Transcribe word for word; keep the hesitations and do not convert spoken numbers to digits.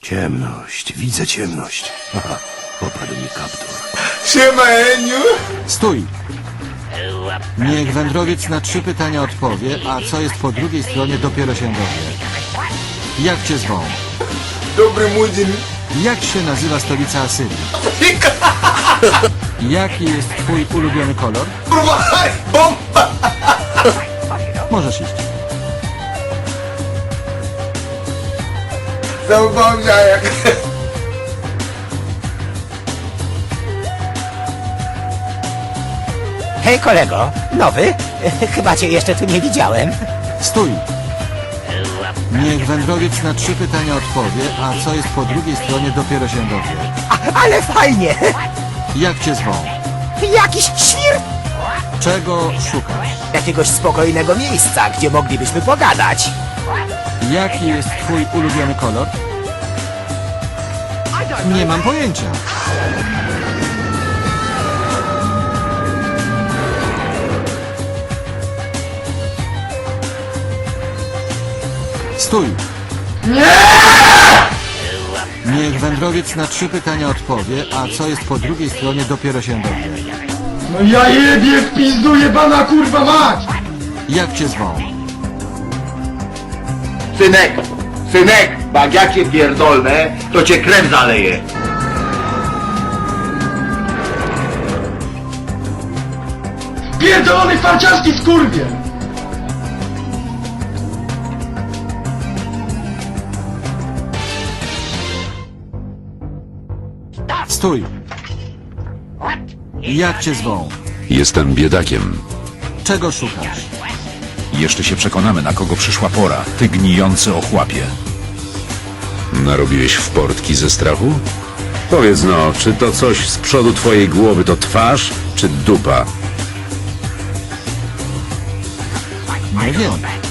Ciemność, widzę ciemność. Haha, popadł mi kaptur. Siema, Eniu! Stój! Niech wędrowiec na trzy pytania odpowie, a co jest po drugiej stronie dopiero się dowie. Jak cię zwą? Dobry młodzień. Jak się nazywa stolica Asyrii? Jaki jest twój ulubiony kolor? Kurwa, haj, bomba! Możesz iść. Załapałem jak... Hej kolego, nowy? Chyba cię jeszcze tu nie widziałem. Stój! Niech wędrowiec na trzy pytania odpowie, a co jest po drugiej stronie dopiero się dowie. A, ale fajnie! Jak cię zwą? Jakiś świr... Czego szukasz? Jakiegoś spokojnego miejsca, gdzie moglibyśmy pogadać. Jaki jest twój ulubiony kolor? Nie mam pojęcia. Stój! Nie! Niech wędrowiec na trzy pytania odpowie, a co jest po drugiej stronie dopiero się dowie. No ja jebie w pizdu jebana kurwa mać! Jak cię zwą? Synek, synek, bo jak ja cię pierdolnę, to cię krew zaleje. Pierdolony farciarski skurwie! Stój! Jak cię zwą? Jestem biedakiem. Czego szukasz? Jeszcze się przekonamy, na kogo przyszła pora. Ty gnijący ochłapie. Narobiłeś w portki ze strachu? Powiedz no, czy to coś z przodu twojej głowy to twarz, czy dupa? Nie wiem.